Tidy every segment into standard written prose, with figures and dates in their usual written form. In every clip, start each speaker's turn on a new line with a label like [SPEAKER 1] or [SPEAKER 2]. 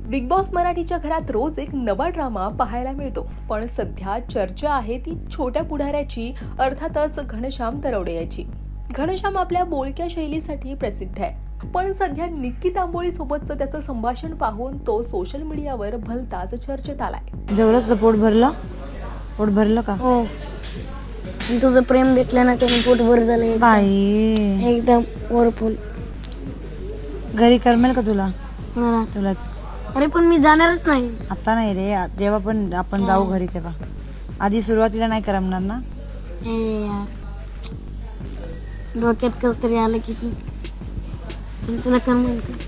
[SPEAKER 1] Big boss मराठीच्या घरात रोज एक नवा ड्रामा पाहायला मिळतो, पण सध्या चर्चा आहे ती छोट्या पुढाऱ्याची, अर्थातच घनश्याम तरवडे याची. घनश्याम आपल्या बोलक्या शैलीसाठी प्रसिद्ध आहे, पण सध्या निक्की तांबोळी सोबतचं त्याचं संभाषण पाहून तो सोशल मीडियावर भलताच चर्चेत आलाय.
[SPEAKER 2] जेवढंच पोट भरलं का?
[SPEAKER 3] हो, तुझं प्रेम भेटलं ना त्याने पोट भर झालं
[SPEAKER 2] बाई,
[SPEAKER 3] एकदम वरपून.
[SPEAKER 2] घरी करमेल का तुला?
[SPEAKER 3] मला
[SPEAKER 2] तुला
[SPEAKER 3] अरे पण मी जाणारच नाही.
[SPEAKER 2] आता नाही रे, जेव्हा पण आपण जाऊ घरी तेव्हा. आधी सुरुवातीला नाही करमणार ना?
[SPEAKER 3] हे यार, डोक्यात कस तरी आलं की पण तुला करमेल का?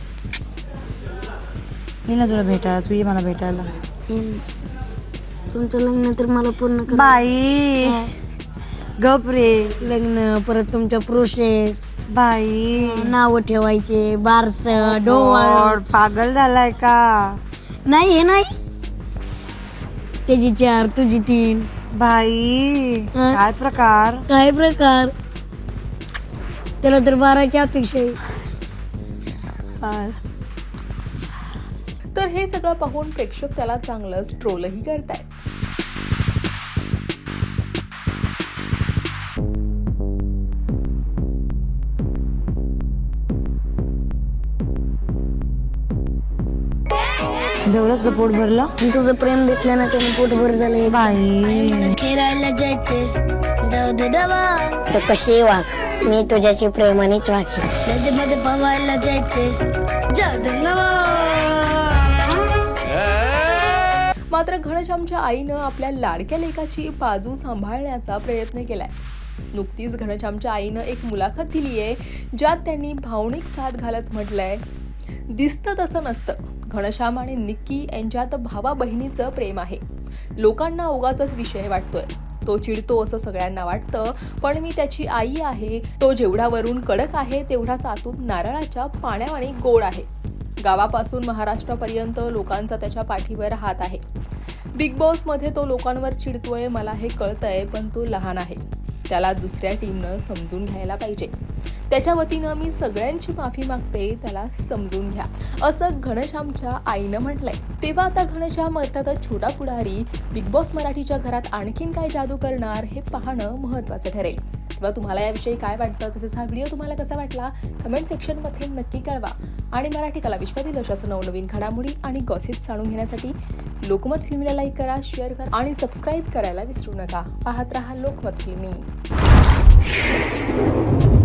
[SPEAKER 2] ये ना तुला भेटायला, तू ये मला भेटायला.
[SPEAKER 3] येईन. तुमचं लग्न तर मला पूर्ण कर.
[SPEAKER 2] बाई गप रे.
[SPEAKER 3] लग्न परत तुमच्या प्रोसेस,
[SPEAKER 2] बाई
[SPEAKER 3] नाव ठेवायचे, बारस,
[SPEAKER 2] गॉड,
[SPEAKER 3] डोळ.
[SPEAKER 2] पागल झालाय का?
[SPEAKER 3] नाही हे नाही, त्याची 4 तुझी 3.
[SPEAKER 2] बाई
[SPEAKER 3] हा?
[SPEAKER 2] काय प्रकार?
[SPEAKER 3] काय प्रकार? त्याला तर 12ची अपेक्षा आहे.
[SPEAKER 1] तर हे सगळं पाहून प्रेक्षक त्याला चांगलंच ट्रोलही करतायत.
[SPEAKER 2] जेवढंच पोट भरलं.
[SPEAKER 3] तुझं प्रेम भेटलं ना त्याने पोट भर झालं.
[SPEAKER 2] बाई
[SPEAKER 3] फिरायला जायचे, जाऊ दे दवा. तर कशी वाघ, मी तुझ्याची प्रेमानेच वाघे. नदीमध्ये पवायला जायचे, जाऊ दे दवा.
[SPEAKER 1] मात्र घनश्यामच्या आईनं आपल्या लाडक्या लेकाची बाजू सांभाळण्याचा प्रयत्न केलाय. नुकतीच घनश्यामच्या आईनं एक मुलाखत दिलीये, ज्यात त्यांनी भावनिक साथ घालत म्हटलंय, दिसतं तसं नसतं. घनश्याम आणि निक्की यांच्यात भावा बहिणीचं प्रेम आहे. लोकांना उगाचच विषय वाटतोय. तो चिडतो असं सगळ्यांना वाटतं, पण मी त्याची आई आहे. तो जेवढा वरून कडक आहे तेवढाच आतून नारळाच्या पाण्यावानी गोड आहे. गावापासून महाराष्ट्रापर्यंत लोकांचा त्याच्या पाठीवर हात आहे. बिग बॉस मध्ये तो लोकांवर चिडतोय, मला हे कळतंय, पण तो लहान आहे. त्याला दुसऱ्या टीमनं समजून घ्यायला पाहिजे. त्याच्या वतीनं मी सगळ्यांची माफी मागते, त्याला समजून घ्या, असं घनश्यामच्या आईनं म्हटलंय. तेव्हा आता घनश्याम अर्थातच छोटा पुढारी बिग बॉस मराठीच्या घरात आणखीन काय जादू करणार हे पाहणं महत्त्वाचं ठरेल. तेव्हा तुम्हाला याविषयी काय वाटतं, तसेच हा व्हिडिओ तुम्हाला कसा वाटला कमेंट सेक्शनमध्ये नक्की कळवा. आणि मराठी कला विश्वातील अशाच नवनवीन घडामोडी आणि गॉसिप जाणून घेण्यासाठी लोकमत फिल्मीला लाईक करा, शेअर करा आणि सबस्क्राईब करायला विसरू नका. पाहत रहा लोकमत फिल्मी.